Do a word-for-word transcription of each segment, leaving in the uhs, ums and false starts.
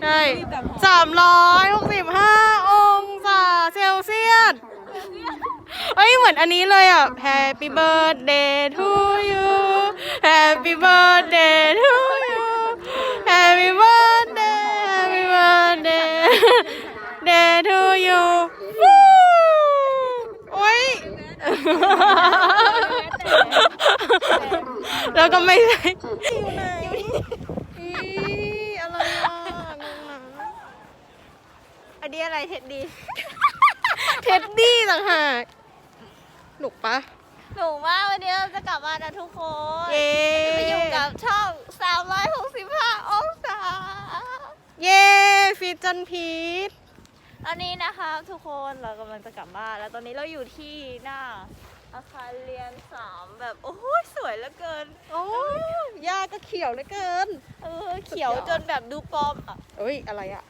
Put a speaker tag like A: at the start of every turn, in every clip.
A: ใช่สามร้อยหกสิบห้าองศาเซลเซียสเอ้ยเหมือนอันนี้เลยอ่ะ Happy birthday to you Happy birthday to you Happy birthday Happy birthday day to you โอ้ยแล้วก็ไม่ใช่อยู่ไหนอะไรอ่ะงงนะอันนี้อะไรเท็ดดี้ เท็ดดี้ต่างหากหนุกปะ
B: หนูมากวันนี้เราจะกลับมานะทุกคน
A: เย้
B: จะไปอยู่กับช่องสามร้อยหกสิบห้าองศา
A: เย้ฟิตจันพีท
B: ตอนนี้นะคะทุกคนเรากำลังจะกลับบ้านแล้วตอนนี้เราอยู่ที่หน้าอาคารเรียนสามแบบโอ้โหสวยเหลือเกิน
A: โอ้ยาก็เขียวเหลือเกิน
B: เออเขียวจนแบบดูปลอมอ่ะ
A: เอ้ยอะไรอ่ะ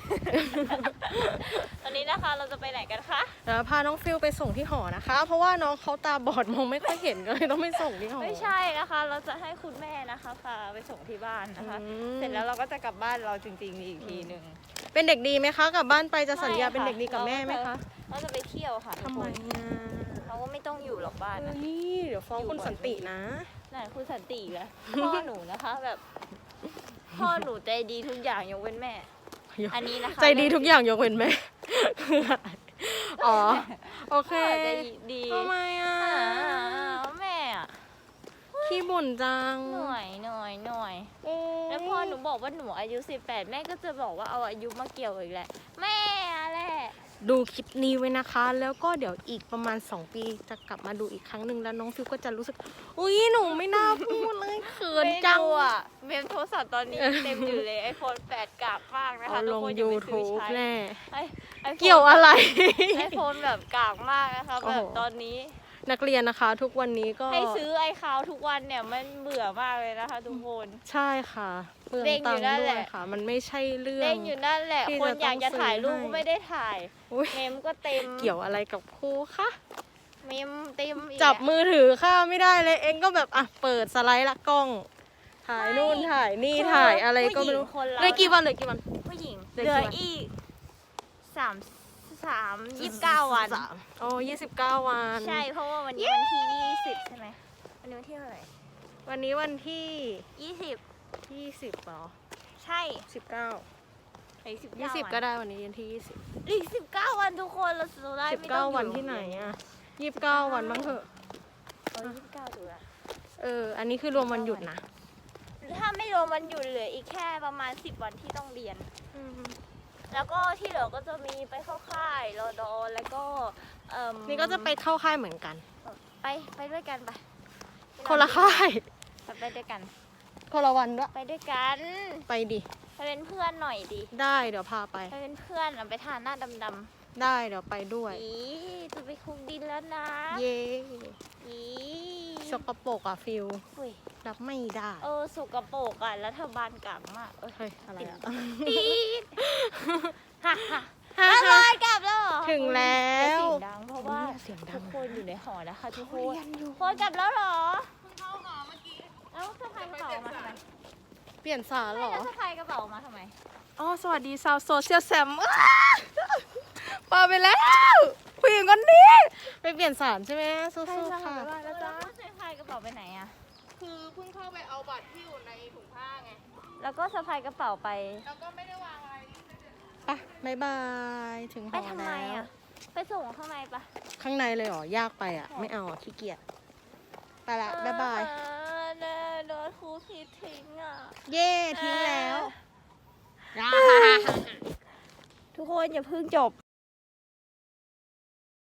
B: ตอนนี้นะคะเราจะไปไหนกันคะ
A: เดี๋ยวพาน้องฟิลไปส่งที่หอนะคะ เพราะว่าน้องเขาตาบอดมองไม่ค่อยเห็นก็เลยต้องไปส่งที่หอ
B: ไม่ใช่นะคะ เราจะให้คุณแม่นะคะพาไปส่งที่บ้านนะคะ
A: อืม
B: เสร็จแล้วเราก็จะกลับบ้านเราจริงๆอีกทีหนึ่ง
A: เป็นเด็กดีไหมคะกลับบ้านไปจะสัญญาเป็นเด็กดีกับแม่ไหมคะ
B: เราจะไปเที่ยวค่ะ
A: ทำไมอ่ะ
B: เราก็ไม่ต้องอยู่หรอกบ้าน
A: เออ
B: นะ
A: นี่เดี๋ยวฟ้องคุณสันตินะ
B: นั่นคุณสันติอีกแล้วพ่อหนูนะคะแบบพ่อหนูใจดีทุกอย่างยกเว้นแม่ อันนี้นะคะ
A: ใจดีทุกอย่างยกเว้นแม่ อ๋อโอเค
B: พ่อใจดี
A: ทำไมอ่ะ
B: อ่าแม่อะ
A: ขี้บ่นจัง
B: หน่อยหน่อยหน่อย
A: โอ้ย
B: แล้วพอหนูบอกว่าหนูอายุสิบแปดแม่ก็จะบอกว่าเอาอายุมาเกี่ยวอีกแหละแม่แหละ
A: ดูคลิปนี้ไว้นะคะ แล้วก็เดี๋ยวอีกประมาณสองปีจะกลับมาดูอีกครั้งหนึ่งแล้วน้องฟิวก็จะรู้สึกอุ้ยหนูไม่น่าพูดเลยเขินจัง
B: ไม่รู้อ่ะเมมโทรศัพท์ตอนนี้เต็มอยู่เลยไอโฟนแปดกากมากนะคะ
A: เอาลง
B: ทุกคนอย่าไปซื้อ
A: YouTube
B: ใช้
A: แน่
B: ไอไอโฟน
A: เกี่ยวอะไร
B: ไอโฟนแบบกากมากนะคะ
A: โอ้
B: แบ
A: โห
B: บตอนนี้
A: นักเรียนนะคะ ทุกวันนี้ก็
B: ให้ซื้อไอคาวทุกวันเนี่ยมันเบื่อมากเลยนะคะทุกคน
A: ใช่ค่ะเปลือง
B: เด้งอยู่
A: ตังค์
B: นั่น
A: ด้
B: แห
A: วย
B: ละ
A: ค่ะ มันไม่ใช่เรื่อง
B: เล่นอยู่นั่นแหละ
A: ที่
B: คน
A: จะ
B: อยากจะถ่ายรูป
A: ต้องซื้อให้
B: ก็ไม่ได้ถ่าย
A: อุ๊ย
B: เมมก็เต็ม
A: เกี่ยวอะไรกับครูคะ
B: เมมเต็มอีก
A: จับ
B: อะ
A: มือถือค่ะไม่ได้เลยเองก็แบบอ่ะเปิดสไลด์ละกล้อง ถ่ายนู่นถ่ายนี่
B: คือ
A: ถ่ายอะไรก็ไม่รู้
B: ผู้หญิงคนเรา
A: เลยกี่วันเลยกี่วัน
B: ผู้หญิง
A: เหลือ
B: เหลือ
A: กี่วัน
B: อีกสามสามยี่สิบเก้าวัน
A: สามโอ้ยี่สิบเก้าวัน
B: ใช่เพราะว่าวันนี้วันที่ยี่สิบใช่ไหมวันนี้วันที่เท่าไหร่
A: วันนี้วันที่
B: ยี่สิบ
A: ยี่สิบเหรอ
B: ใช่
A: สิบเก้า
B: อีกสิบ
A: ยี่สิบก็ได้วันนี้วันที่ยี่สิบ
B: อีกสิบเก้าวันทุกคนเราสุดท้าย
A: สิบ
B: ไม่ต้
A: เก้า
B: องอยู่
A: วันที่ไหนอ่ะยี่สิบเก้าวันบ้างเถอะ
B: เออยี่สิบเก้าดูละ
A: เอออันนี้คือรวมวันหยุดนะ
B: ถ้าไม่รวมวันหยุดเหลืออีกแค่ประมาณสิบวันที่ต้องเรียน
A: อืม
B: แล้วก็ที่เหลือก็จะมีไปเข้าค่ายรอดอแล้วก็เอ่ม
A: นี่ก็จะไปเข้าค่ายเหมือนกัน
B: ไปไปด้วยกันไป
A: คนละค่าย
B: ไปไปด้วยกัน
A: คนละวันด้วย
B: ไปด้วยกัน
A: ไปดิ
B: ไปเป็นเพื่อนหน่อยดิ
A: ได้เดี๋ยวพาไป
B: ไปเป็นเพื่อนอะไปทานหน้าดำ
A: ได้เดี๋ยวไปด้วย
B: ๆอีจะไปคุกดินแล้วนะ
A: เย้
B: อี
A: สกปรกอะฟิล
B: อุ้ย
A: รับไม่ได้
B: เออสกปรกอ่ะรัฐบาลกลางมากเอ้ย
A: เฮ้ยอะไรอะ
B: ปี๊ดฮ่าฮ่าแล้วลอยกลับแล้วเหรอ
A: ถึงแล้ว
B: เสียงดังเพราะว่า
A: เสียงดั
B: ทุ
A: ง
B: กคนอยู่ในหอนะคะทุกคน
A: เรียนอยู่
B: คนกลับแล้วเหรอเข้าหอเมื่อกี้แล้วสะพายกระเป๋ามาทำไม
A: เปลี่ยนสารเหรอ
B: แล้วสะพายกระเป๋ามาทำไม
A: อ๋อสวัสดีชาวโซเชียลแซมปาไปแล้วผู้หญิงคนนี้ไปเปลี่ยนสารใช่ไหมสู้ๆค่ะ
B: แล้วจ้าสะพายกระเป๋าไปไหนอะ
C: คือเพิ่งเข้าไปเอาบัตรที่อยู่ในถุงผ้าไง
B: แล้วก็สะพายกระเป๋าไป
C: แล้วก็ไม่ได้วางอะไร
A: ไปบ๊ายบายถึงห
B: ไป
A: อ
B: ทำไม
A: แล้ว
B: อะไปส่งข้างในปะ
A: ข้างในเลยเหรอยากไปอ่ะ ไม่เอาอ่ะขี้เกียจไปละบ๊ายบาย
B: เออเนอโดนครูผิดทิ้งอะ
A: เย่ทิ้งแล้ว
B: ทุกคนอย่าเพิ่งจบ